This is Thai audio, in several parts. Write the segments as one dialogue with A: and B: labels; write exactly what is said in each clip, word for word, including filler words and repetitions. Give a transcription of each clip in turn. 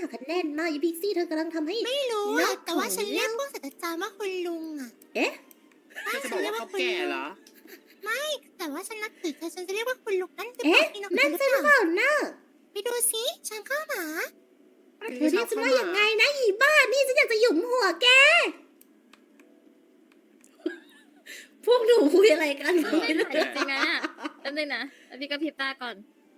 A: หักคะแนนมาอีพิกซี่เธอกำลังทำให้
B: ไม่รู้อะแต่ว่าฉันเรียกพวกศาสตราจารย์ว่าคุณลุงอะ
A: เอ๊ะ
C: เธอจะบอกว่าเขาแก่เหรอ
B: แต่ว่าฉันนับถือเธอฉันจะเรียกว่าคุณลุงนั่นคือ
A: เอ๊ะ
B: ที่
A: นั่นใช่หรือเปล่านะ
B: ไปดูสิฉันเข้าหา
A: เธอเรียกฉันว่าอย่างไงนะอีบ้านี่ฉันอยากจะหยุมหัวแก พวกหนูคุยอะไรกัน
D: ไม่ถ่ายจริงๆนะแป๊บนึงนะแล้วพี่ก็พริบตาก่อน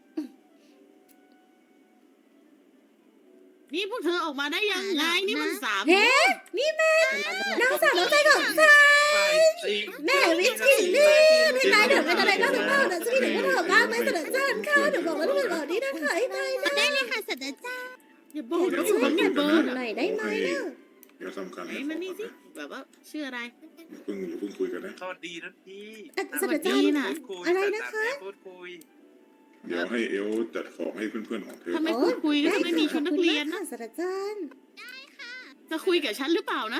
E: นี่พวกเธอออกมาได้ยังไงนี่มันสาม
A: เฮ้นี่แม่น้องสาวน้องใจของฉันแม่วิจิตรนี่นี่นายเดี๋ยวเป็นอะไรบ้างหรือเปล่านะฉันมีเด็กก็ถามบ้างไหมเสนอจานข้าวเดี๋ยวบอกว่าทุกคนบอกนี่นะขายไปนะ
B: ได้เลยค่ะศาสตราจารย์
E: อย่าบอกนะ
A: ช่วย
E: ว่า
A: เนี่
E: เนี่ย ย
A: เบิ
E: เบิ
A: ร์
E: ร์
A: ด
E: ด
A: หน่อยได้ไหมนะ
F: เดี๋ยวทำการ
E: ไหนมันนี่สิแบบว่าชื่ออะไร
F: อย่าเพิ่งอย่าเพิ่งคุยกันนะ
C: สวัสดีนะพี่
A: เสนอจาน
E: น่ะ
C: พูดคุย
A: อะไรนะคะ
C: พูดคุย
F: เดี๋ยวให้เอลจัดของให้เพื่อนๆของเธอ
E: ทำไมพูดคุยก็จะไม่มีชุดนักเรียน
A: ค่ะ
E: นะ
A: ศาสตราจารย์
E: จะคุยกับฉันหรือเปล่านะ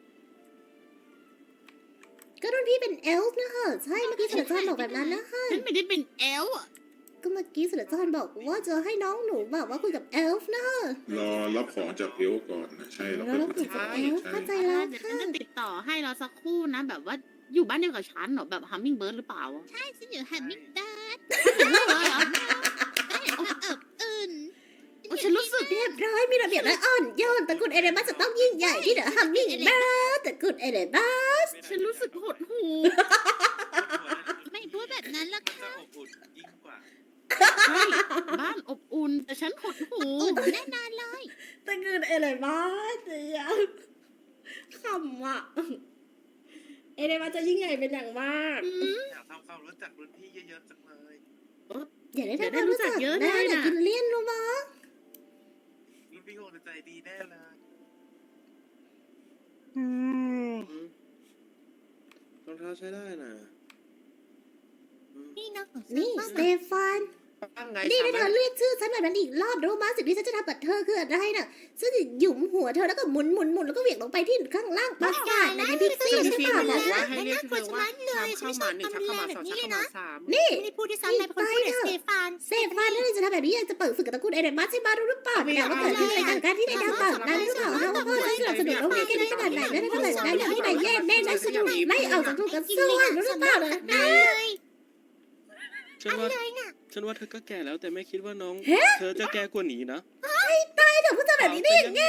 A: ก็รุ่นพี่เป็นเอลฟ์นะคะใช่เมื่อกี้ศาสตราจารย์บอกแบบนั้นนะคะ
E: ฉันไม่ได้เป็นแอลอะ
A: ก็เมื่อกี้ศาสตราจารย์บอกว่าจะให้น้องหนูแบบว่าคุยกับเอลฟ์นะคะ
F: รอรับของจากเอลก่อนนะใช่เรา
A: แล้ว
F: ก็
A: เรา
F: คุ
A: คุ
F: ย
A: ยกับ
F: ใช่
A: เอลฟ์
F: ใช่
A: เข้าใจแล้ว
E: เดี๋ยวฉั
A: ค่ะ
E: นจะติดต่อให้เราสักครู่นะ แบบว่าอยู่บ้านเดียวกับฉันเหรอแบบฮัมมิงเบิร์ดหรือเปล่า
B: ใช่ฉันอยู่แฮมมิงเดิร์ด
E: เลิกเลยเหรอ
B: ได้เห็นเธอเอิบอื่น
E: โอ้ฉันรู้สึก
A: เรียบร้อยมีระเบียบและอ่อนโยนตระกูลเอเดมัสจะต้องยิ่งใหญ่ที่เดอะฮัมมิงเบิร์ดตระกูลเอเดมัส
E: ฉันรู้สึกหดหู
B: ไม่พูดแบบนั้นหรอก
C: จะ
B: ค่ะ
C: อบอุ่นยิ่งกว่า
E: ใช่บ้านอบอุ่นแต่ฉันหดหู
B: อุ่นแน่นอนเลย
A: ตระกูลเอเดมัสเนี่ยขำอ่ะเอเดมัสจะยิ่งใหญ่เป็นอย่างมาก
C: อยากทำความรู้จักรุ่นพี่เยอะๆจังเลย
A: อย่าได้ทำความรู้จักเยอะนะอย่ากินเลี่ยนรู้มั้ย
C: รุ่นพี่คงจะใจดีแน่เลย
G: รองเท้าใช้ได้นะ
B: นี่น้องของฉัน
A: นี่
B: บ้าง
A: สเตฟาน
C: ตั้งไง
A: นี่ถ้าเธอเรียกชื่อฉันแบบนั้นอีกรอบรู้มั้ยสิ่งที่ฉันจะทำกับเธอคืออะไรน่ะฉันจะหยุมหัวเธอแล้วก็หมุนหมุนหมุนแล้วก็เหวี่ยงลงไปที่ข้างล่างปราสาทในพิกซี่
E: ซึ่ง
A: ใช่
E: พี่
A: ป่ะ
E: บ
A: นะ
E: อกว่าให้เรียกเธอว่าชามข้าวหมาหนึ่งชามข้าวหมาสองชามข้าวหมาสาม
A: นี่
B: ไม่ได้พูดที่ซ้ำเลยเป็นคนพูดเด็กสเตฟาน
A: เซฟานถ้าเราจะทำแบบนี้ยังจะเปิดศึกกับตระกูลเอเดมัสใช่บ้ารู้หรือเปล่าแต่ว่าเกิดขึ้นในทางการที่ในดาวต่างนั้นหรือเปล่าฮะว่าพ่อจะสนับสนุนโรงเรียนกันขนาดไหนและขนาดนั้นที่นายแย่แน่นายสนุกไม่เอาจากทุกกระทรวงรู้หรือเปล่านะ
G: ฉันว่าฉันว่าเธอก็แก่แล้วแต่ไม่คิดว่าน้อง
A: เฮ้
G: เธอจะแก่กว่านี้นะ
A: ตายเถอะพูดจาแบบนี้ได้ยังไง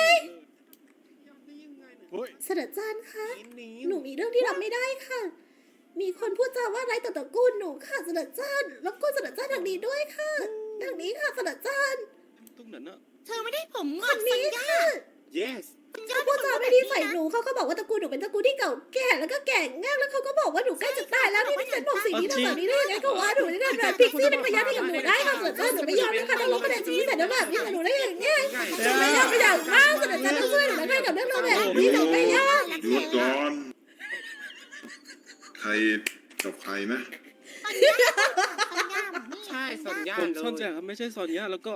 G: เฮ้ย
A: ศาสตราจารย์คะ หนูมีเรื่องที่รับไม่ได้ค่ะ มีคนพูดจาว่าร้ายต่อตระกูลหนูค่ะศาสตราจารย์รบกวนศาสตราจารย์ทางนี้ด้วยค่ะทางนี้ค่ะศาสตราจารย์
G: ตรงนั้นอะ
B: เธอไม่ได้ผมง
A: ค
B: อก
A: น
B: สัญ
A: นี้
B: ญา
A: ค่ะ
G: yes
A: เขาพูดจาไม่ดีใส่หนูเขาก็บอกว่าตระกูลหนูเป็นตระกูลที่เก่าแก่แล้วก็แก่งากแล้วเขาก็บอกว่าหนูใกล้จะตายแล้วนี่ฉันบอกสิ่งนี้ทำแบบนี้ได้ยังไงเขาว่าหนูนี่นั่นแบบพิกซี่เป็นพยานให้กับหนูได้ค่ะศาสตราจารย์หนูไม่ยอมนะคะต้องลบคะแนนชีวิตแต่แบบนี้กับหนูได้ยังไงหนูไม่ยอมไปอย่างมากศาสตราจารย์ต้องช่วยหนูได้กับเรื่องแบบนี้หนูไม่ยอม
F: หยุดก่อนใครกับใครนะ
E: ใช่สัญญา
G: ผม
E: เล
G: ซ่อนแจ
E: ย
G: กไม่ใช่ซอนยาแล้วก็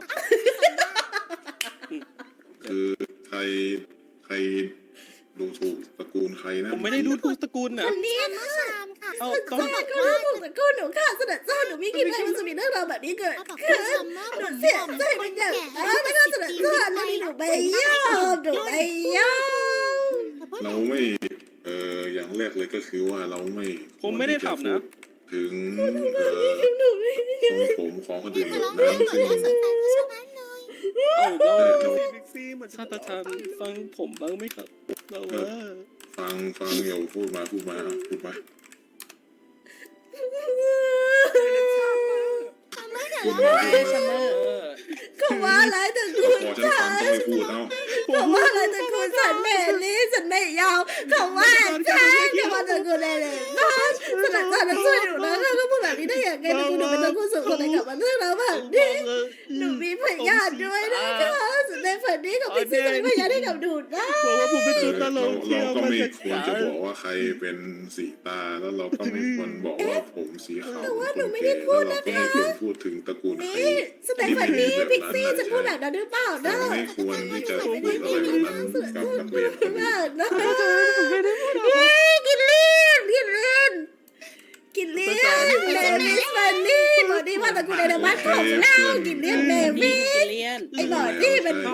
F: คือใครใครดูถูกตระกูลใครนะ
G: ผมไม่ได้ดูถูกตระกูลนะ
A: คนนี้
B: เมื่อชามค่ะ
G: เอาตอน
A: ศาสตราจารย์ก็รู้ถูกตระกูลหนูค่ะศาสตราจารย์หนูไม่คิดเลยว่าจะมีเรื่องราวแบบนี้เกิด
B: เขาบอก
A: ขึ้
B: ว่าน ซัมเมอร์
A: หนู
B: ผม
A: เสียใจเป็นอย่างมากแล้วก็ศาสตราจารย์แล้วนี่หนูไม่ยอมหนูไม่ยอม
F: เราไม่เอ่ออย่างแรกเลยก็คือว่าเราไม่
G: ผมไม่ได้ทำนะ
F: ถึงเอ่อของผมของคนอื่น
B: เธ
F: แบ
B: อบ ร้องเพล
F: นั้น
B: งก่อน
F: ซึ่ง
B: แล้วสนใจผู้ชายเลย
G: เอาเรา
F: แต่เรา
G: พิกซี่เหมือนซาตาชานฟังผมบ้างไหมครับเราว่า
F: ฟังฟังอย่าพูดมาพูดมาพูดมา
B: ซัมเมอร์เดี๋ยว
F: พูด
B: เรา
F: มาพูดมา
A: เขาว่าอะไรตระกูล
F: พอฉันฟังต้องไม่พูดเอา
A: เขาว่าอะไรตระกูลฉันแม่นี้ฉันไม่ยอมเขาว่าฉันเขาว่าตระกูลอะไรบ้างศาสตราจารย์ต้องช่วยหนูนะเขาก็พูดแบบนี้ได้ยังไงตระกูลหนูเป็นตระกูลสุดคนไหนกลับมาเรื่องแล้วแบบนี้หนูมีพยานด้วยนะคะสุดในฝันนี้ของพี่ซีจะมีพยานให้กับหนูนะ
G: บอกว่าผมเป็นตัวตล
F: เรา
G: กที่
F: เรา
G: เอา
F: ก็
G: มา
F: ไม่
G: จาก
F: ควรจะบอกว่าใครเป็นสีตาแล้วเราก็ไม่ควรบอกว่าผมสีขาว
A: แต่ว่าหนู
F: คน
A: ไม่
F: แก่
A: ได้พู
F: แล้ว
A: ด
F: เรา
A: นะ
F: ก็
A: คะ
F: ไม่ควรพูดถึงตระกูลใคร
A: นี่สเตฟานีพิกซี่จะพูดแบบนั้นหรือเปล่านะ
F: เราไม่ควรที่จะพูดอะไรแบบนั้นกับนักเรียนคนอื่น
A: นะเฮ้ยกินเลียนกินเลียนกินเลียนเลวิสฟันนี่บอกดีว่าตระกูลเอเดมัสของเรากินเลียนเลวิส
E: เลียน
A: ไอ้บอกนี่เป็นว่าตระ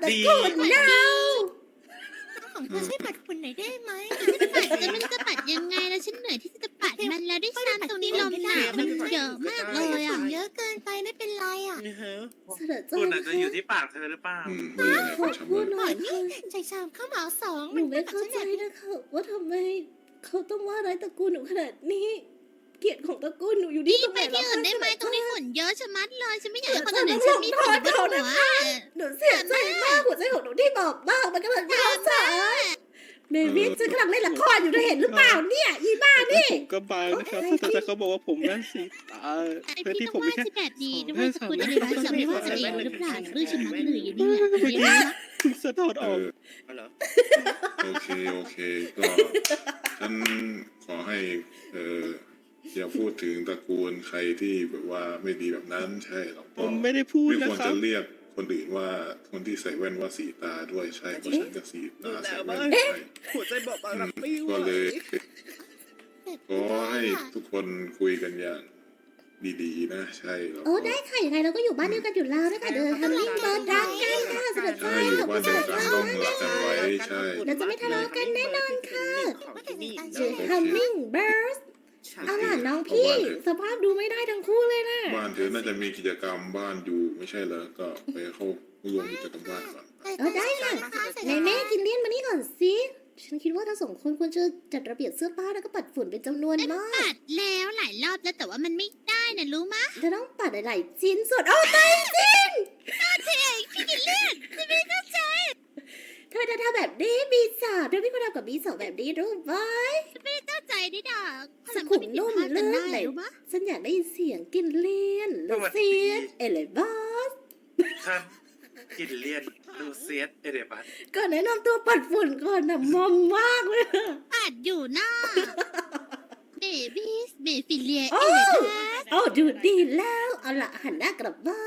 C: ดี
A: ฝุ่นเน่า
B: ของเธอช่วยปัดฝุ่นหน่อยได้ไหม
E: ปัดแล้วมันจะปัดยังไงแล้วฉันเหนื่อยที่จะปัดมันแล้วด้วยซ้ำตรงนี้ลมหนาวมันเยอะมากเลยอ่ะ
B: เยอะเกินไปไม่เป็นไรอ่ะ
G: นี่ฮะ
A: เสด็จเจ้า
C: คุณอาจ
A: นะ
C: จะอยู่ที่ปากเธอหรือเปล่า
F: อืมว่ายังไง
A: ขอ
F: ก็
A: พูด
F: ทำ
A: ห
F: เล
A: น่อย
F: ย
A: ค่ะ
B: ใจชามข้าวเหมาสอง
A: หนูไม่เข้าใจนะคะว่าทำไมเขาต้องว่าร้ายตระกูลหนูขนาดนี้ เกียรติของตระกูลหนูอยู่ที่
E: นี่
A: ตรง
E: ไป
A: ไหน
E: ที่อื่นได้ไหมตรงนี้
A: ห
E: ฝุ่นเยอะชะมัดเลยฉันไม่อยากให้คน
A: เดี๋
E: อื่
A: ย
E: น
A: ว
E: ฉันมีฝุ่นบน
A: เดี๋ยว
E: หัว
A: หนูเสียใจมากหัวใจของหนูที่บอบบางมันกำลังร้าวใจเมวิสฉันกำลังเล่นละครอยู่เธอเห็นหรือเปล่าเนี่ยอีบ้านี่
G: ผมก็บางนะครับแต่แต่เขาบอกว่าผมน่าสีตา
E: ไอ
G: เพื่อ
E: พี่
G: ที่
E: ต้
G: ผ
E: อง
G: มไม่
E: ว่า
G: แค่
E: จะแบบนี้ด้วยสกุลอะไรบ้างจะไม่ว่าจะเองหรือเปล่าหรือฉันมัดเลยอยู่เนี่ยเดี๋ยวนะ
G: คุณสะท้อน
F: เอ
G: ออก
F: อ
G: เหรอ
F: โอเคโอเคก็ฉันขอให้เอออย่าพูดถึงตระกูลใครที่แบบว่าไม่ดีแบบนั้นใช่หรอก
G: ผมไม่ได้พูด
F: ไม่
G: นะ
F: ควร
G: ครั
F: จะ
G: บ
F: เรียกคนอื่นว่าคนที่ใส่แว่นว่าสีตาด้วยใช่เพราะฉันก็สีตาใส่แว่นใช่
G: หัวใจบอกบาง
F: อื
G: รับ
F: ม
G: ไม่ไหว
F: ก็เลยขอให้ทุกคนคุยกันอย่างดีๆนะใช่แล้ว
A: โอ้
F: ก็
A: ได้ค่ะยังไงเราก็อยู่บ้านเดียวกันอยู่แล้วนะคะเดินทำลิงเบิร์ดรักกันค่ะเสด็จ
F: ใช่
A: เจ้า
F: อยู่บ้านเดียวกันต้องรักกันไว้ใช่
A: เราจะไม่ทะเลาะกันแน่นอนค่ะ
B: ว่าแต่ในการ
A: เจอ Humming Birds เอาล่ะน้องพี่ สภาพดูไม่ได้ทั้งคู่เลยนะ
F: บ้านเธอน่าจะมีกิจกรรมบ้านอยู่ไม่ใช่เหรอก็ไปเข้าร่วมกิจกรรมบ้านก่อน
A: เออได้ค่ะในแม่กินเลี้ยนมานี่ก่อนสิฉันคิดว่าทั้งสองคนควรจะจัดระเบียบเสื้อผ้าแล้วก็ปัดฝุ่นเป็นจำนวนมาก
E: ปัดแล้วหลายรอบแล้วแต่ว่ามันไม่ได้นะรู้มะ
A: เธอต้องปัดหลายๆชิ้นส่วนโอ้ตายจริง
E: พี่กินเลือดจะไม่เข้าใจ
A: เธอจะทำแบบนี้บีสามเธอไม่ควรทำกับบีสองแบบนี้รู้ไหม
E: เข้าใจได้ดอก
A: สุขุมนุ่มเลิศ
E: ไห
A: ไห
E: น
A: น
E: รู้มะ
A: ฉันอยากได้ยินเสียงกินเลียนลูเซียนเอเลบอส
C: ท่านกินเลียนลูเซียสเอเดบัส
A: ก่อนแนะนำตัวปัดฝุ่นก่อนนะมอมมากเลยอะ
E: ปัดอยู่หน้าเบบี้เบฟิเลีย
A: โอ้
E: เอเลทัส
A: โอ้ดูดีแล้วเอาละหันหน้ากลับมา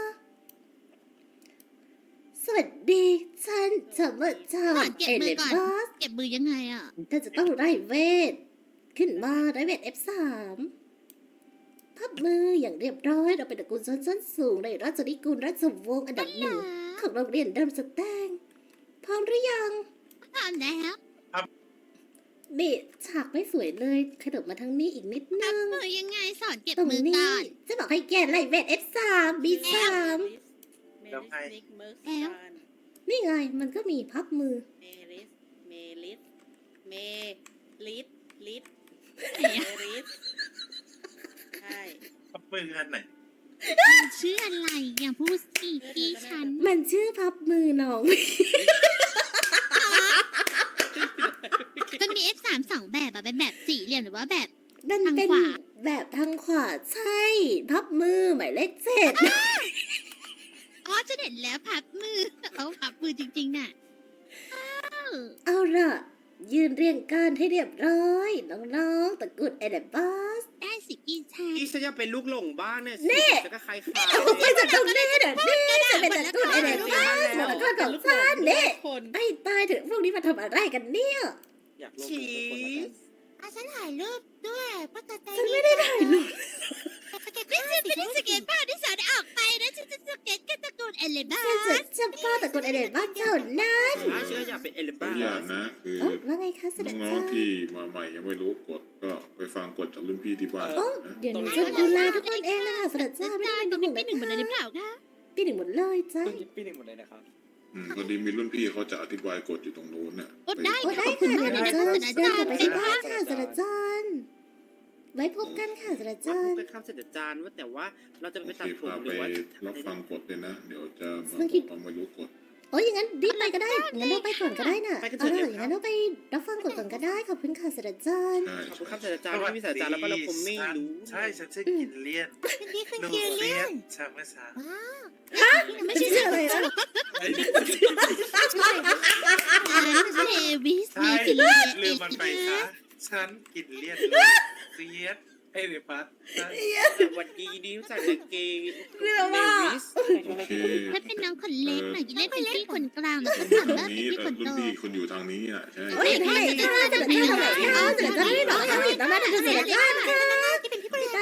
A: สวัสดีฉันจะมาจาก
E: เก็บ
A: เอ
E: มื
A: เล
E: อก่อน
A: บอส
E: เก็บมือยังไงอ่ะ
A: เธอจะต้องไล่เวท ขึ้นมาไล่เวท เอฟ สาม พับมืออย่างเรียบร้อยเราเป็นตระกูลชนชั้นสูงในราชนิกูลราชวงศ์อันดับหนึ่งของโรงเรียนเดิมสแตงพร้อมหรือยัง
E: พร้อมแล้ว
A: นี่ฉากไม่สวยเลยขยับมาทางนี้อีกนิด
E: พั
A: นึ
E: บ
A: ง
E: มือยังไงสอนเก็บ
A: ตรง
E: มือ
A: นี้
E: ก่อน
A: จะบอกให้แกไล่เวท เอฟ สาม บี สาม
C: แล้วไง
A: นี่ไงมันก็มีพับมือ
H: เมลิส เมลิส เมลิส ลิส
E: ไหน
H: เม
E: อะ
H: ลิส ใช่
C: พับมือกันไหน
E: มันชื่ออะไรอย่างพูดสิพี่ฉัน
A: มันชื่อพับมือน้อง
E: มันมี เอฟ สาม สองแบบอะเป็นแบบสี่เหลี่ยมหรือว่าแบบ
A: มัน
E: ทาง
A: เป็น
E: ขวา
A: แบบทางขวาใช่ พับมือหมายเลขเจ็ด
E: อ๋อจะเห็นแล้วพับมือเอาพับมือจริงๆน่ะอ้าว
A: เอาล่ะ ยืนเรียงกันให้เรียบร้อย น้องๆตระกูลเอเดบัส
E: ได้สิพี่ชาย
G: นี่ฉันจะเป็นลูกหลงบ้านเนี่ย
A: นี่
G: จะก็ใครขาย
A: เอาไปจากตรงนี้เดี๋ยวนี่จะเป็นตระกูลเอเดบัสตระกูลของฉันเนี่ย
H: คน
A: ไอ้ตายถึงพวกนี้มาทำอะไรกันเนี่ย
G: อยากลงกับทุกคนแล้วกัน
B: อาฉันถ่ายรูปด้วยเพราะเธอใจ
A: ฉันไม่ได้ถ่ายรูป
B: สเก็ต
E: ไม่
B: ภา
E: ใช่
B: พ
E: ไม่ได้สเก็ตบ้านที่สอนออกไปนะฉันจะสเก็ตกันตระกูลเอเลบ้า
A: ฉันจะเฉพาะตระกูลเอเดบัสเท่านั้น
G: อ่าฉันก็อยากเป็นเอลิ
F: ตั
G: บ้าว
F: อย่างนะคือ
A: โอ้ว่าไงคะเสด็จ
F: น้อ
A: เจ้าง
F: ๆที่มาใหม่ยังไม่รู้กฎก็ไปฟังกฎจากรุ่นพี่ที่บ้าน
A: โอ้
F: นะ
A: เดี๋ยวหนูจะดูแลทุกคนเองนะคะเสด็จเจ้าไม่ต้อง
E: ตร
A: เป็น
E: ง
A: ห่
E: นี้
A: วง
E: เป็นหนึ่งหมดเลยหรือเปล่าคะ
A: พี่หนึ่งหมดเลยจ้ะ
G: ปีหนึ่งหมดเลยนะครับ
F: อืมพอดีมีรุ่นพี่เขาจะอธิบายกฎอยู่ตรงนู้นน่ะ
E: โอ้ได้
A: โอ้ได้
E: ขอบคุณ
A: ค่ะ
E: มาก
A: เดี๋ยว
E: เลย
A: เรา
E: นะ
A: จะ
E: คุณอา
A: เดิน
E: จาร
A: กลับ
E: ย์
A: ไปที่บ้านค่ะเสด็จจ้าไว้พบกันค่ะเสด็จ
G: ว่า
A: จ้า
G: พูดกันข้ามเสด็จจานว่าแต่ว่าเราจะ
F: โอ
G: ไป
F: เค
G: ตัดผม
F: พา
G: ห
F: ไป
G: รือว่า
F: รับฟังกฎเลยนะ เดี๋ยวจะมา
A: ซึ่งคิด
F: บอกว่าไม่รู้กฎ
A: โอ้ยอย่างนั้นรีบไปก็ได้งั้นเราไปก่อนก็ได้น่ะ
G: ไปกันเถ
A: เอา
G: อะ
A: ล่ะ
G: เดี๋ยว
A: อย่างนั้นเราไปรับฟังกฎก่อนก็ได้ขอบคุณค่ะเสด็จจ้า
F: ใช่
G: ขอบคุณ
F: ใช่
G: ข้ามเสด็จจานที่มีเสด็จจานแล้วก็เราผมไม่รู้
C: ใช่ ฉันชื่อกินเลียน
B: เป็นที่ขึ้น
C: ลู
B: เกียร์
C: เซี
B: เลี่
C: ย
B: ย
C: ส
B: น
C: ชาเมื่อเช้า
B: ว้าว
E: ไม่ใช่เรื่องอะไรนะเดวิสเม
C: ใช่
E: ฟิเลียเอ
C: ลื
E: เล
C: มมันไป
E: ทั
C: ซะ
E: ส
C: ฉันกินเลียนลูเซียสเอเดบัส
G: แต่วันดีดีรู้จักแต่เกย์เดวิส
F: โอเค
E: ถ้าเป็นน้องคนเล็กหน่อยจะเล่นเป็นพี่คนกลางแล้วก็
F: ตร
E: ทำ
F: ง
E: ได้
F: นี้
E: เป็นพี่คนโต
F: แต่รุ่นพี่คุณอยู่ทางนี้อ่ะใช่
A: โอ้ยทำไมจ้าเสด็จจ้าทำไมจ้าเสด็จจ้าไม่บอกให้เราอีกแล้วนะเสด็จจ้าค่ะ
B: ที่เป็นพี่บริ
A: ตา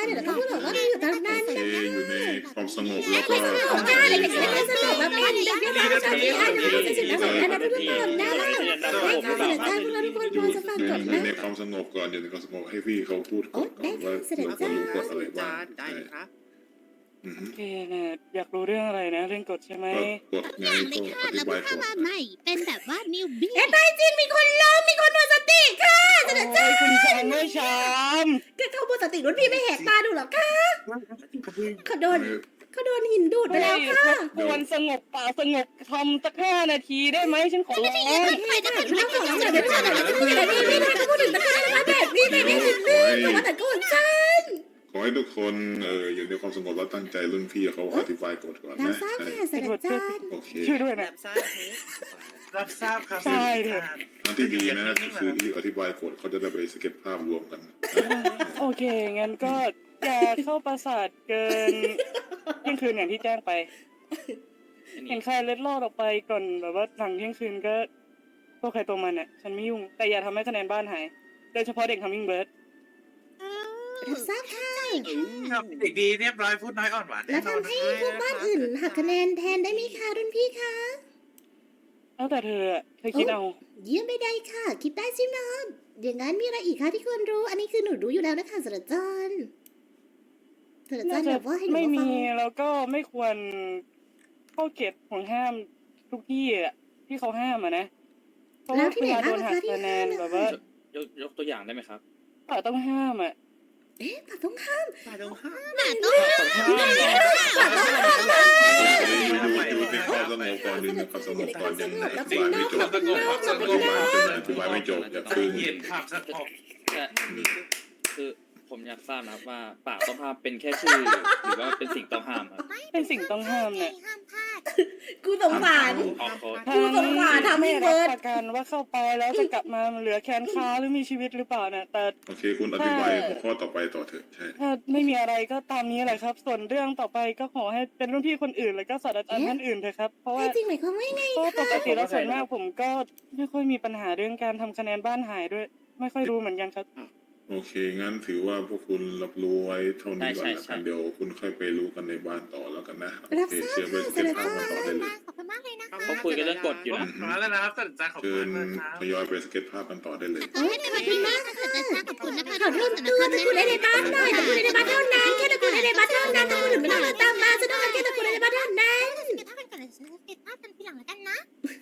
A: เดี๋ยวเขาพูดบอกว่าเราอยู่ตรงนั้น
F: โอ
A: นะ
F: เคอยู่ในความสงบแล้ว
A: ไม่
F: ก็
A: สนุกได้เลยเด็กไม่สนุกแบบเป็นเด็กเรียนรู้จากที่อ่านหนังสือสิ่งต่างๆนะทุกคนนะได้ค่ะเสด็จจ้าพวกเราทุกคนพอจะฟัง
F: อยู่
A: ก่อน
F: ใน
A: นะ
F: ในความสงบก่อนอยู่ในความสงบให้พี่เขาพูดก่อนก่อนว่าเราควรรู้กฎอะไรบ้าง
C: ได้ครับ
F: อือฮึ
G: โอเคนะอยากรู้เรื่องอะไรนะเรื่องกฎใช่ไหม
F: ก็กฎไง
E: อย่างเล
F: ก็
E: ยค่ะ
F: อธิ
E: แล้ว
F: บา
E: เพิ่
F: ย
E: ง
F: ก่
E: เข้า
F: อน
E: มาใหม่ เป็นแบบว่านิวบี้
A: เอ๊ะตายจริงมีคนล้มมีคนหมดสติค่ะเสด็จจ้า
G: โอ้ยคุณชามไม่ชาม
A: ก็เขาหมดสติรุ่นพี่ไม่แหกตาดูหรอคะเขาโดนเขาโดนหินดูดไปแล้วค่ะ
G: ควรสงบป่ากสงบทำสักห้านาทีได้ไหมฉันขอร้อง
A: ไม่ได้ไม่ได้ไม่ได้ไม่ได้ไม่ได้ไม่ได้ไม่ได้เขาพูดถึงตะการมาแบบนี้ไม่ได้ถึงเรื่องแต่ว่าแต่ก็ฉัน
F: ขอให้ทุกคนเอออยู่ในความสงบแล้วตั้งใจรุ่นพี่เขาอธิบายกฎก่อน
A: รับ
F: นะ
A: ทราบ
F: ใช่
A: ค่ะเสด็จจ้า
F: โอเค
G: ช่วยด้วยนะ
C: รับทราบรับทราบครับ
G: ใช่เถอะ
F: ทางที่ดีนะคือที่อธิบายกฎเขาจะได้ไปสเก็ตภาพรวมกัน
G: โอเค งั้นก็อย่าเข้าปราสาทเกินเที่ยงคืนอย่างที่แจ้งไป เห็นใครเล็ดลอดออกไปก่อนแบบว่าหลังเที่ยงคืนก็พวกใครตัวมันอ่ะ ฉันไม่ยุ่ง แต่อย่าทำให้คะแนนบ้านหาย โดยเฉพาะเด็กทัมมิงเบิร์ด
A: รับทราบค่ะ
C: ครับเด็กดีเรียบร้อยพูดน้อยอ่อนหวาน
A: แล้วทำให้พวกบ้านอื่นหักคะแนนแทนได้ไหมคะรุ่นพี่คะ
G: แล้วแต่เธออะเธอคิดเอา
A: เยี่ยมไม่ได้ค่ะ คิดได้ใช่ไหมอย่างนั้นมีอะไรอีกคะที่ควรรู้ อันนี้คือหนูรู้อยู่แล้วนะคะสระจันสระจั
G: น่านจะ
A: แบบว่าให้หนู
G: ไม่
A: มาฟั
G: มี
A: ง
G: แล้วก็ไม่ควรเข้าเขตของห้ามทุกที่อ่ะที่เขาห้ามอ่ะนะเพราะ
A: แล้
G: ว่าว
A: ที่
G: เว
A: ไหน
G: ลาโด
A: บ้าง
G: น
A: นะ
G: หัก
A: คะที่
G: คะแน
A: ห้าม
G: น
A: นะ
G: แบบ
A: คะ
G: ว่า
I: ยกยกตัวอย่างได้ไหมครับ
G: ป่าต้องห้ามอ่ะ
A: เอ๊ะป่าต้องห้าม
C: ฝ่ายตรงข้าม
E: หมาต้องห้าม
A: ป่าต้องห้าม
F: อยู่ในความสงบก่อนอยู่ในความสงบก่อนยังอธิบายไม่จบอธิบายไม่จบอย่า
C: ใจ
F: พึ่ง
C: เย็นครับสงบ
I: แต่คือผมอยากทราบนะครับว่าป่าต้องห้ามเป็นแค่ชื่อ หรือว่าเป็นสิ่งต้องห้ามครับ
G: เป็นสิ่งต้องห้ามเนี่ย
B: ห้ามพลาด
A: กูสงสาร
I: ออกโค้ด
A: ผู้สงสารทำให้
G: ไม่
A: เบิ
G: รับ
A: ร์ด
G: ประกันว่าเข้าไปแล้วจะกลับมาเหลือแขนขาหรือมีชีวิตหรือเปล่านะแต่
F: โอเคคุณอธิบายหัวข้อต่อไปต่อเถอะใช่
G: ถ้าไม่มีอะไรก็ตามนี้แหละครับ ส่วนเรื่องต่อไปก็ขอให้เป็นรุ่นพี่คนอื่นแล้วก็ศาสตราจารย์ท่านอื่นเถอะครับเพราะว่า
A: แท้จริงหมายความว่าไง
G: ก็ป
A: คะ
G: กติแล้วส่วนมากผมก็ไม่ค่อยมีปัญหาเรื่องการทำคะแนนบ้านหายด้วย ไม่ค่อยรู้เหมือนกันครับ
F: โอเคงั้นถือว่าพวกคุณรับรู้ไว้เท่านี้ก่อนละกันเดี๋ยวคุณค่อยไปรู้กันในบ้านต่อแล้วกันนะโอ
A: รับ
F: เค
A: ทราบ
F: เชิญไป
A: ค่ะ
F: ส
A: เส
F: เก็ต
A: ด็จ
F: ภาพ
A: จ้า
F: กันต่อได้เลย
B: ขอบคุณมากเลยนะคะ
I: เขาคุยกันเรื่องกฎอยู่นะ
C: มาแล้วนะครับท่านอาจารย์ขอบ
F: เชิ
C: คุณ
F: ญ
C: มากครับ
F: ทยอยไปสเก็ตภาพกันต่อได้เลย
E: ขอให้เป็นวันที่มากค่ะแต่ขอบคุณนะคะ
A: ขอโทษด้วยตะกูในบ้านหน่อยตะกูในบ้านเท่านั้นแค่ตะกูในบ้านเท่านั้นตะกูถึงไม่ต้องมาตามมาฉันต้องการแค่ตะกูในบ้านเท่านั้น
B: เก็บภาพกันก่อนเลยฉันเก็บภาพกันทีหลังแล้วกันนะ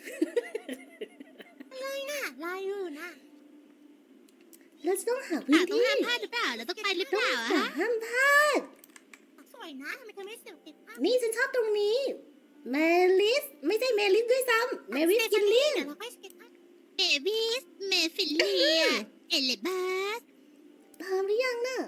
B: เลยน่ะรออยู่น่ะ
A: เราจะต้องหา
E: ป่า
A: พื้น
E: ต้อง
A: ที่
E: ห้ามพลาดหรือเปล่าเราต้องไปหรือเปล่าอะ
A: แต่
E: ฮะ
A: ห้ามพลาด
B: สวยนะทำไมเธอไม่เสียบเก็บภาพ
A: นี่ฉันชอบตรงนี้เมลิสไม่ใช่เมลิสด้วยซ้ำเมลิสกินลิน
B: เดี๋ยวเราค่อยเก็บภาพ
E: เอวิสเมฟิเลียเอเลบัส
A: พร้อมหรือยังน่ะ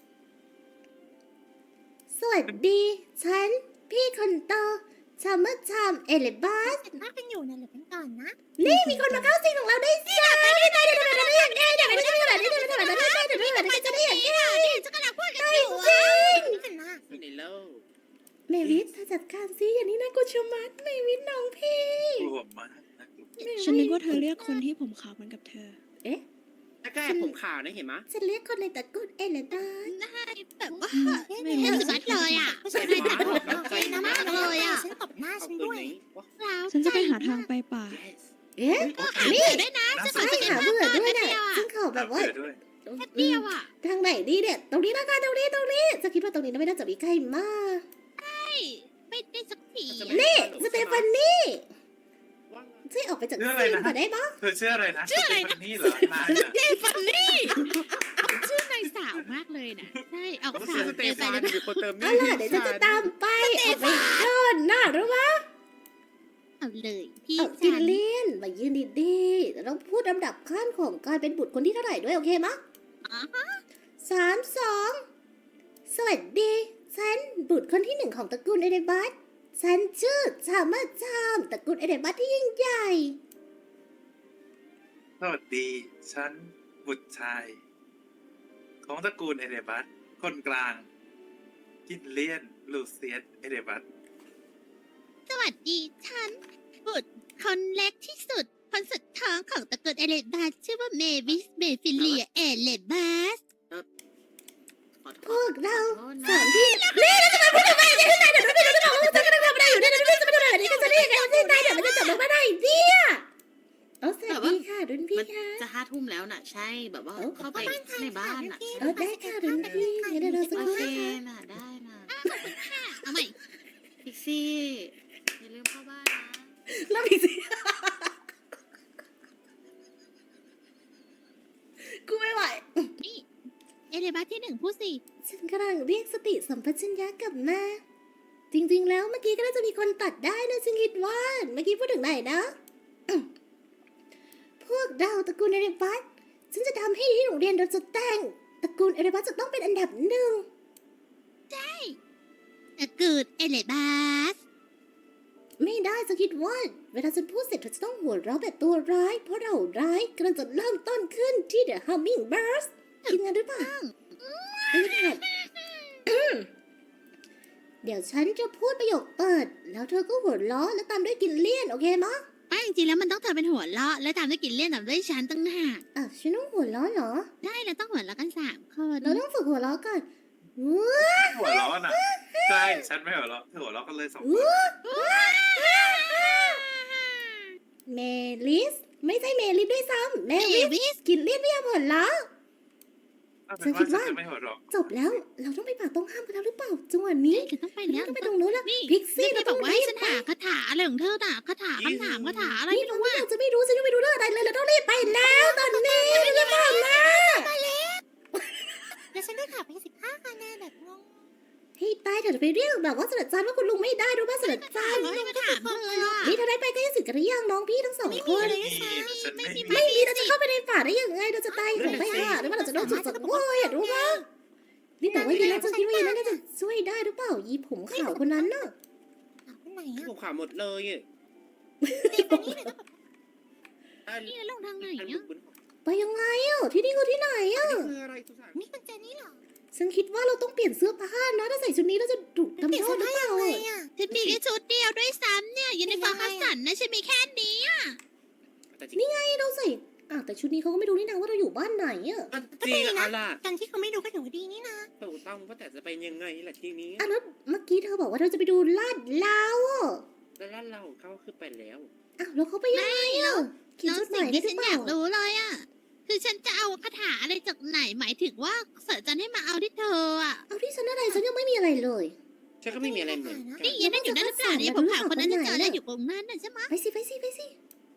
A: สวัสดี ฉัน พี่คนโตชามเมอร์ชามเอลิบัส
B: เก็บภาพกันอยู่นะเหลือกันก่อนนะ
A: นี่มีคนมาเข้าสิงของเราได้สิไม่ได้ไม่ได้ไม่ได้ไม่ได้ไม่ได้ไม่ได้ไม่ได้ไม่ได้ไม่ได้ไม่ได้ไม่ได้ไม่ได้ไม่ได้ไม่ได้ไม่ได้ไม่ได้
E: นี่ฉันกำลังพูดกันอยู่อะ
B: นี่กันนะ
C: ในโลก
A: เมวิสเธอจัดการสิอย่างนี้นะกูชะมัดเมวิสน้องพี่
C: กลัวมากนะ
J: ฉันนึกว่าเธอเรียกคนที่ผมขาวเหมือนกับเธอ
A: เอ๊ะ
C: แก้ผมขาวนะเห็นไหม
A: ฉันเรียกคนในตระกูลเอเลดา
E: ได้แบบว่า
B: ไม่
E: เห็นสุดเลยอะ
B: ไม่ใช่ไม่ได้ใจนะมากเลยอ่ะฉันตบหน้าฉันด้วย
E: เรา
J: ฉันจะไปหาทางไปป่า
A: เอ๊ะ
E: นี่ด้วยนะจะขอ
A: ใช่
E: สเก็ต
A: หา
E: ภาพ
A: เบื่อ
E: ก่อน
A: ด้วย
E: แป๊บ
A: น่ะ
E: เดียวอะ
A: ฉันขอแบบว่า
C: ด้วย
E: แป๊บเดียวอะ
A: ทางไหนดีเนี่ย ตรงนี้แล้วกันตรงนี้ตรงนี้จะคิดว่าตรงนี้ไม่น่าจะมีใครมา
E: ไม่ได้สักที
A: นี่สเตฟานี่ช่วยออกไปจากซีนก่อนได้ปะ
C: เธอชื่ออะไรนะชื่ออะไรนะนี่เหรอนายน่ะ
E: เดฟันนี่ชื่อนายสาวมากเลยนะใช่ออกสาวเดฟันนี่
A: เอาล่ะเดี๋ยวฉันจะตามไปออกไปโดนน่ารู้ปะ
E: เอาเลยพี่
A: เอาจิ
E: ฉั
A: น
E: น
A: เลียนมายืนดีๆเราพูดลำดับขั้นของการเป็นบุตรคนที่เท่าไหร่ด้วยโอเคมะ
E: อ๋อฮะ
A: สามสองสวัสดีฉันบุตรคนที่หนึ่งของตระกูลเอเดบัสฉันชื่อชามาชามตระกูลเอเดบัสที่ยิ่งใหญ่
C: สวัสดีฉันบุตรชาย ของตระกูลเอเดบัสคนกลาง กินเลียนลูเซียสเอเดบัส
E: สวัสดีฉันบุตรคนเล็กที่สุดคนสุดท้องของตระกูลเอเลบัสชื่อว่าเมวิสเมฟิเลียเอเลบัส
H: ขอโท
A: พว
H: ษ
A: กเรา
H: ขอโทษ
A: สา
H: นะ
A: มพี่นี่แล้วจะมาพูดทำไมเนี่ยที่ไหนเดี๋ยวพี่จะบอกว่าจะกำลังทำอะไรอยู่เนี่ยเดี๋ยวพี่จะมาทำอะไรนี่ก็จะได้ยังไงที่ไหนเดี๋ยวมันจะจับเราไม่ได้เนี่ยเออสวัสดีค่ะรุ่นพี่
H: มัน
A: ค่ะ
H: จะห้าทุ่มแล้วน่ะ ใช่แบบว่า
A: เอ้า
H: เข้าไปในบ้านน่ะ
A: เออได้ค่ะรุ่นพี่เดี๋ยวเราสัก
H: โอ
A: ครู่
H: เค
A: นะคะ
H: น่ะได้น่ะ
E: เอาใหม่
H: พิกซี่อย่าลืมเข้าบ้านนะ
A: แล้วพี่สิกูไม่ไหว
E: นี่เอเลบัสที่หนึ่งพูดสิ
A: ฉันกำลังเรียกสติสัมปชัญญะกลับมา จริงๆ แล้วเมื่อกี้ก็น่าจะมีคนตัดได้นะฉันคิดว่า เมื่อกี้พูดถึงไหนนะ พวกเราตระกูลเอเรบัสฉันจะทำให้ที่โรงเรียนเราจะแต่งตระกูลเอเรบัสจะต้องเป็นอันดับหนึ่ง
E: ตระกูลเอเลบัส
A: ไม่ได้ฉันคิดว่า เวลาฉันพูดเสร็จเธอจะต้องหัวเราะแบบตัวร้าย เพราะเราร้ายกำลังจะเริ่มต้นขึ้นที่ The Hummingbirds กินงานหรือเปล่าไม่ได้ เดี๋ยวฉันจะพูดประโยคเปิด แล้วเธอก็หัวเราะแล้วตามด้วยกินเลี่ยนโอเคมะ
E: ไม่จริงๆแล้วมันต้องเธอเป็นหัวเราะและตามด้วยกินเลี่ยนตามด้วยฉันตั้งหาก
A: อ่ะฉันต้องหัวเราะเหรอ
E: ได้แล้วต้องหัวเราะกันสามคน
A: เราต้องฝึกหัวเราะก่อนว้า
C: หัวเราะน่ะใช่ฉันไม่หัวเราะเธอหัวเราะกันเลยสองคน
A: เมลิส ไม่ใช่เมลิสด้วยซ้ำเม
E: เอ
A: ลิส
E: วิส
A: กินเลี่ยนไม่ยอมหัวเราะ
C: เอาเป็นว่าฉันจะไม่หัวเราะ
A: จบแล้ว เราต้องไปป่าตรงห้ามกันแล้วหรือเปล่าจังหวะนี้
E: จะต้องไป
A: เรา
E: แล้ว
A: ต้องไปตรงนู้นแล้ว
E: นี่
A: พิกซี่
E: นี่
A: เรา
E: บ
A: ต้
E: อ
A: อง
E: กว่า
A: รี
E: ให้
A: บ
E: ฉัน
A: ไป
E: หาคาถาอะไรของเธอน่ะคาถาคำถามคาถาอะไร
A: นี่
E: ไม่
A: เรา
E: รู้ว่า
A: เราจะไม่รู้ฉันจะไม่รู้เรื่องอะไรเลยเราต้องรีบไปแล้วตอนนี้ไม่ได้ผ่านมา
B: เดี๋ยวฉันได้ข่าวไปสิบห้าคะแนนแบบงง
A: ให้ตายเถอะจะไปเรียกแบบว่าเสด็จจันทร์ว่าคุณลุงไม่ได้รู้ป่ะเสด็จจันทร์
E: ไม่มาถามเธออ่ะ
A: นี่เธอได้ไปใกล้สิทธิ์กันหรือยังน้องพี่ทั้งสองคน
C: ไม่มีฉันไม่มี
A: ไม่มีเราจะเข้าไปในป่าได้ยังไงเราจะตายของไปหาหรือว่าเราจะโดนจุดสังเวยอ่ะรู้ป่ะนี่แต่ว่ายีน่าจะคิดว่ายีน่าน่าจะช่วยได้หรือเปล่ายีผมขาวคนนั้นน่ะ
B: ถามคนไหนอ่ะ
H: ผมขาหมดเลยอ่ะ
B: นี่คนนี้เลยก็แบบ
E: นี่ลงทางไหน
H: อัน
E: อ่ะ
H: บุญ
A: ไปยังไงอ่ะที่นี่คือที่ไหนอ่ะ
H: คืออะไรสุสาน
B: นี่คุณเจนี่เหรอ
A: ฉันคิดว่าเราต้องเปลี่ยนเสื้อผ้านะถ้าใส่ชุดนี้เราจะถูก
B: เปลี่ยน
A: ทำโท
B: เสื้
A: ษ
B: อ
A: หรือ
B: ผ้า
A: เปล่า
B: ยังไงอ่ะ
E: ฉันมีแค่ชุดเดียวด้วยซ้ำเนี่ยยูนิฟอร์มคัสสันนะฉันมีแค่นี้อ่ะ
H: แต่จริง
A: นี่ไงเราใส่อ่ะแต่ชุดนี้เขาก็ไม่รู้นี่นะว่าเราอยู่บ้านไหนอ่ะ
H: จริงอะล่ะ
B: การที่เขาไม่ดูก็ถือว่าดีนี่นะ
H: ถูกต้องว่าแต่จะไปยังไงล่ะทีนี้
A: อ่ะแล้วเมื่อกี้เธอบอกว่าเราจะไปดูลาดลาวอ่ะ
H: แล้วร้านเราของเขาคือไปแล้ว
A: อ้าวแล้วเขาไปยังไงอ่ะเขียน
E: แล้ว
A: จดห
E: สิ่
A: มาง ยได้
E: ที่
A: หรื
E: ฉั
A: อน เปล่าย
E: อากรู้เลยอ่ะคือฉันจะเอาคาถาอะไรจากไหนหมายถึงว่าเสิร์ชจันให้มาเอาที่เธออ่ะ
A: เอาที่ฉันอะไรฉันยังไม่มีอะไรเลย
H: ฉันก็ไม่มีอะไรเหมือนกัน
E: นี่ยันนั่นอยู่นั่นหรือเปล่าเนี่ยผมขาวคนนั้นจะเจอได้อยู่ตรงนั้นน่ะใช่ไหม
A: ไปสิไปสิไปสิ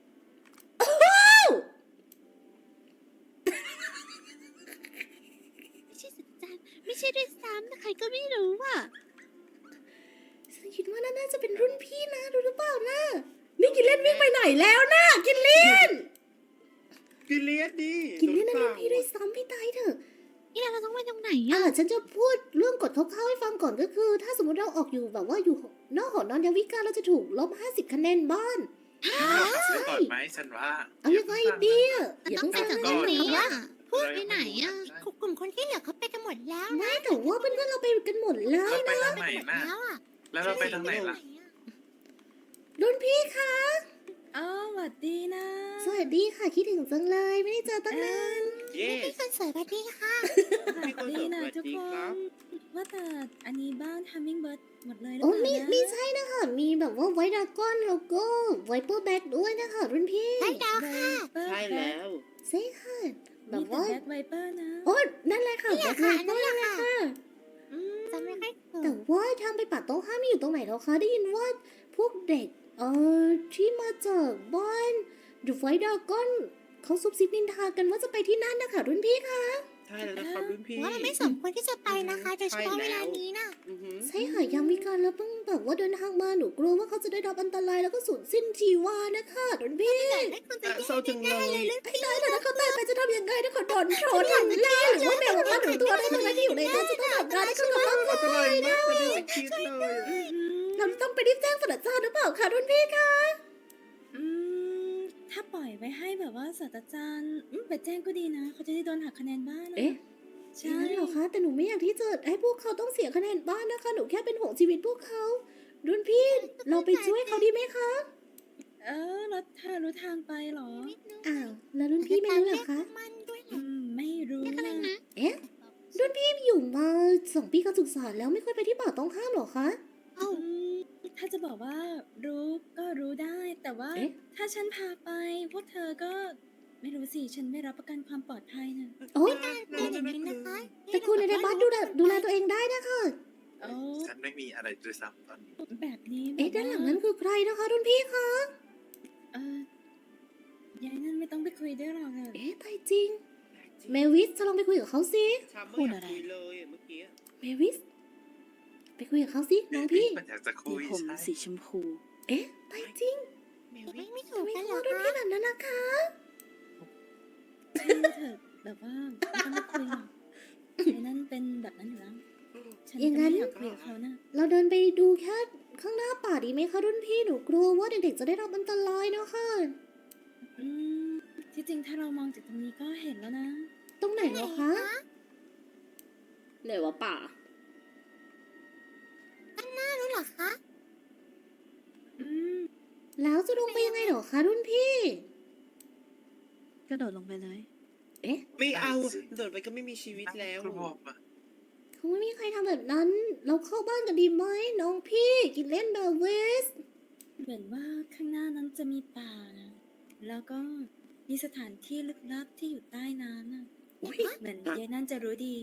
E: ไม่ใช่สัจจันไม่ใช่ด้วยซ้ำนะใครก็ไม่รู้อ่ะ
A: ฉันคิดว่าน่าจะเป็นรุ่นพี่นะรู้หรือเปล่านะนี่กินเล่นวิ่งไปไหนแล้วนะกินเล่น
H: กินเลี้ยดี
A: กินเล่นนั่นรุ่นพี่ด้วยซ้ำพี่ตายเถอะ
E: นี่เราต้องไปตรงไหน
A: อ่า
E: อ่ะ
A: ฉันจะพูดเรื่องกฎคร่าวๆให้ฟังก่อนก็คือ ถ้าสมมติเราออกอยู่แบบว่าอยู่นอกหอนอนยาวิกาเราจะถูกลบห้าสิบคะแนนบ้าน
C: ซื้อก่อนไหมฉันว่า
A: เอายังไงดีอ่ะ
E: มัน
A: อย่า
E: ต้อ
A: เพิ่
E: ง
A: ง
E: ไป
A: ฟัง
E: จากต
A: กั
E: ร
A: น
E: งนี้
A: นะ
E: อ่ะไปไหนอ่ะ
B: กลุ่มคนที่เหลือเขาไปกันหมดแล้วนะ
A: ไม่แต่ว่าเพื่อนๆเราไปกันหมดแล้ว
C: เราไป
A: นะ
C: ทางไหนน่ะ
B: แล้วอ่ะ
C: แล้วเราไปทางไหนล่ะ
A: รุ่นพี่คะ
D: อ๋อหวัดดีนะ
A: สวัสดีค่ะคิดถึงจังเลยไม่ได้เจอตั้งนาน
H: เย้
B: พี่คนสวยสวัสดีค่ะ
H: พี่คนสวย
D: ดีนะ
H: สวัส
D: ทุก
H: ดี
D: ค
H: ครับ
D: น ว่าแต่อันนี้บ้าน Hummingbird หมดเลยหรือ
A: โอ้
D: เปล่า
A: ไม่
D: นะ
A: ไม่ใช่นะคะมีแบบว่าไวท์ดราก้อนแล้วก็ไวเปอร์แบ็กด้วยนะคะรุ่นพี่
B: ได้ดาวค่ะ
D: Viper
H: ใช่แล้ว
A: ใช่ค่ะแบ
D: มี
A: บ
D: แต่
A: ว่า
D: แบ็คไวเปอร์นะ
A: โอ้นั่นแหละค่ะ
B: นี่
A: แบ็
B: แห
A: ค
B: ละ
A: ไว
B: ค่ะ
A: เปอ
B: นั่น
A: ร์
B: แหละค่ะ
A: ค่ะ
B: จำไม่ค่อยถูก
A: แต่ว่าทางไปป่าโต๊ะห้าไม่อยู่ตรงไหนหรอคะได้ยินว่าพวกเด็กเอ่อที่มาจากบ้านดูไฟดากอนเขาซุบซิบนินทากันว่าจะไปที่นั่นนะคะรุ่นพี่คะ
H: ใช่แล้วนะครับรุ่นพี่
B: ว่ามันไม่สมควรที่จะไปนะคะโดยเฉพาะเวลานี้นะ
H: อือหือ
A: ใช่ค่ะยังมีการแล้วเพิ่งแบบว่าเดินทางมาหนูกลัวว่าเขาจะได้รับอันตรายแล้วก็สูญสิ้นชีวานะคะรุ่นพี่
B: ไม่ควรจะ
H: อ่ะเศร้าจังเลย
A: ไอ้ตายแต่ถ้าเขาตายไปจะทำยังไงถ้าเขาโดนชนหรือล่าหรือว่าแมวมันหรือตัวอะไรทั้งนั้นที่อยู่ในนั้นจะต้องทำงานให้เขากำลัง
H: อันตรายมากไม่ได้คิดเลย
A: เราต้องไปรีบแจ้งศาสตราจารย์หรือเปล่าคะรุ่นพี่คะ
D: อืม ถ้าปล่อยไว้ให้แบบว่าศาสตราจารย์อืมไปแจ้งก็ดีนะ เขาจะได้โดนหักคะแนนบ้างนะ
A: เอ๊ะ
D: ใช่
A: ใช่เหรอคะแต่หนูไม่อยากที่จะให้พวกเขาต้องเสียคะแนนบ้านนะคะหนูแค่เป็นห่วงชีวิตพวกเขารุ่นพี่เราไปช่วยเขาดีไหมคะ
D: เออแล้วเธอรู้ทางไปเหรอ
A: อ้าวแล้วรุ่นพี่ไม่รู้เหรอคะ
B: มันด้วย
D: อืม ไม่รู้
E: นี่ก็เลย
D: นะ
E: นะ
A: เอ๊ะรุ่นพี่อยู่มาการศึกษาแล้วไม่ค่อยไปที่ป่าต้องห้ามหรอคะ
B: เอ้า
D: อืมถ้าจะบอกว่ารู้ก็รู้ได้ แต่ว่า
A: เอ๊ะ
D: ถ้าฉันพาไป พวกเธอก็ไม่รู้สิ ฉันไม่รับประกันความปลอดภัยนะ
A: โอ้ย
B: เป็นอย่างนี้นะคะ
A: ตระกูลเอเดบัสดูแลดูแลตัวเองได้นะคะ
D: โอ้
C: ฉันไม่มีอะไรด้วยซ้ำตอนนี้
D: แบบนี้
A: เอ๊ะ
D: แบบ
A: ด้านหลัง
D: ว่
A: นั้นคือใครนะคะรุ่นพี่คะ
D: เออยายนั่นไม่ต้องไปคุยด้วยหรอกอะ
A: เอ๊ะตายจริง เมวิสจะลองไปคุยกับเขาสิ
H: พูดอะไรเลยเมื่อกี้
A: เมวิส ไปคุยกับเขาสิน้องพี่
C: มันอยากจะคุย
J: ผม
C: ใช่
J: สีชมพู
A: เอ๊ะตายจริง
B: ไม่ไม่ถู
A: ทำ
B: ก
A: ไม
B: กัน
A: เขา
B: เหรอ
A: รุ่น
B: คะ
A: พี่แบบนั้นนะคะ
D: ช่างเถอะแบบว่าไม่ต้องมาคุยหรอกยายนั่นเป็นแบบนั้นอยู่แล้ว ฉัน
A: อย่าง
D: ก็
A: นั้
D: ไม่
A: น
D: อยากคุยกับเขานะ
A: เราเดินไปดูแค่ข้างหน้าป่าดีไหมคะรุ่นพี่หนูกลัวว่าเด็กๆจะได้รับอันตรายนะคะ
D: อืม ที่จริงถ้าเรามองจากตรงนี้ก็เห็นแล้วนะ
A: ตรงไหนเหรอคะไหนวะป่า
B: น่ารู้เหรอคะ
D: อืม
A: แล้วจะลงไปยังไงเหรอคะรุ่นพี่
J: กระโดดลงไปเลย
A: เอ๊ะ
H: ไม่เอาโดดไปก็ไม่มีชีวิตแล้ว
C: กลัวปะ
A: คงไม่มีใครทำแบบนั้น เราเข้าบ้านกันดีไหมน้องพี่กินเล่นเดอะเวส
D: เหมือนว่าข้างหน้านั้นจะมีป่านะ แล้วก็มีสถานที่ลึกลับที่อยู่ใต้น้ำน่ะ
A: อุ๊ย
D: เหมือนยายนั่นจะรู้ดี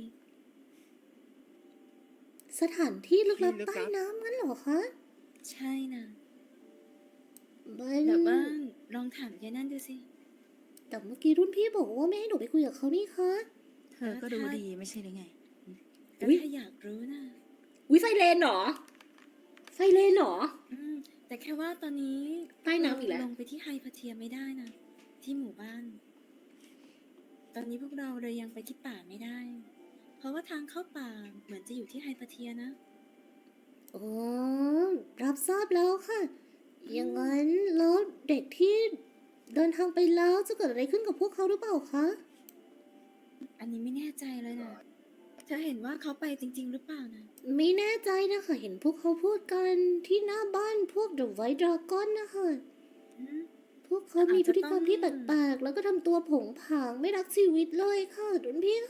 A: สถานที่ลึกลับใต้น้ำงั้นเหรอคะ
D: ใช่นะ
A: มัน
D: แบบว่าลองถามยายนั่นดูสิ
A: แต่เมื่อกี้รุ่นพี่บอกว่าไม่ให้หนูไปคุยกับเขานี่คะ
J: เธอก็รู้ดีไม่ใช่หรือไง
D: ก็
A: อุ๊ย
D: ถ้าอยากรู้นะ
A: วิไฟเลนเหรอ ไฟเลนเหรอ
D: อืม แต่แค่ว่าตอนนี้
A: ใต้น้ำอีกแล้ว
D: เราลงไปที่ไฮพาเทียไม่ได้นะ ที่หมู่บ้าน ตอนนี้พวกเราเลยยังไปที่ป่าไม่ได้ เพราะว่าทางเข้าป่าเหมือนจะอยู่ที่ไฮพาเทียนะ
A: อ๋อ รับทราบแล้วค่ะ อย่างนั้นแล้วเด็กที่เดินทางไปแล้วจะเกิดอะไรขึ้นกับพวกเขาหรือเปล่าคะ
D: อันนี้ไม่แน่ใจเลยนะเธอเห็นว่าเขาไปจริง ๆ หรือเปล่านะ
A: ไม่แน่ใจนะคะ เห็นพวกเขาพูดกันที่หน้าบ้านพวก The White Dragon นะคะ
D: อืม
A: พวกเขามีพฤติกรรมที่แปลกๆ แล้วก็ทำตัวผงผางไม่รักชีวิตเลยค่ะดุนพี่คะ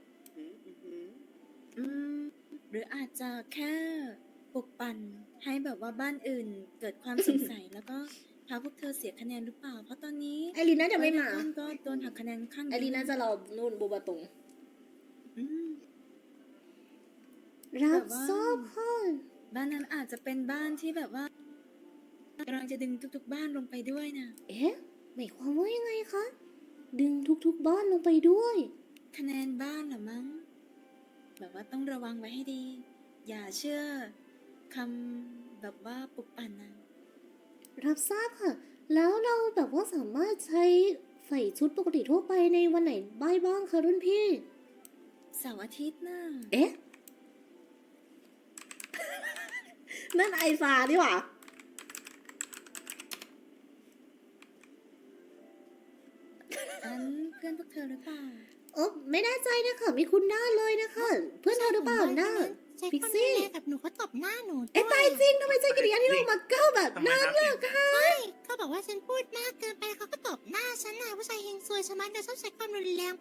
D: อืม หรืออาจจะแค่ปลุกปั่นให้แบบว่าบ้านอื่นเกิดความสงสัย แล้วก็พาพวกเธอเสียคะแนนหรือเปล่า เพราะตอนนี้
A: ไอรีน่าจะไม่มา
D: ต้นก็โดนหักคะแนนข้าง
A: ไอรีน่าจะรอนู่นบูบาตง
D: อืม
A: รับทราบค่ะ
D: บ้านนั้นอาจจะเป็นบ้านที่แบบว่ากำลังจะดึงทุกๆบ้านลงไปด้วยนะ
A: เอ๊ะหมายความว่ายังไงคะ ดึงทุกๆบ้านลงไปด้วย
D: คะแนนบ้านเหรอมั้ง แบบว่าต้องระวังไว้ให้ดี อย่าเชื่อคำแบบว่าปลุกปั่นนะ
A: รับทราบค่ะ แล้วเราแบบว่าสามารถใช้ใส่ชุดปกติทั่วไปในวันไหนบ้างบ้างคะรุ่นพี่
D: เสาร์อาทิตย์น่ะ
A: เอ๊ะ นั่นไอซาดีหว่า
D: อันเพื่อนพวกเธอหรือเปล่า
A: เออไม่แน่ใจนะคะไม่คุ้นหน้าเลยนะคะ เพื่อนเธอหรือเปล่าหน้า
B: ใช้
A: พิก
B: คน
A: ซี่
B: ดูแลกับหนูเขาตบหน้าหนู
A: เอ๊ะ
B: ด้วย
A: ตายจริงทำไมใจกิริยาที่ลงมาเก้าแบบ
C: ทำไม
A: นั้น
C: นะ
A: ล่ะคะ
B: เขาบอกว่าฉันพูดมากเกินไปเขาก็ตบหน้าฉันน่ะผู้ชายเฮงซวยชะมัดเลยชอบใช้ความรุนแรง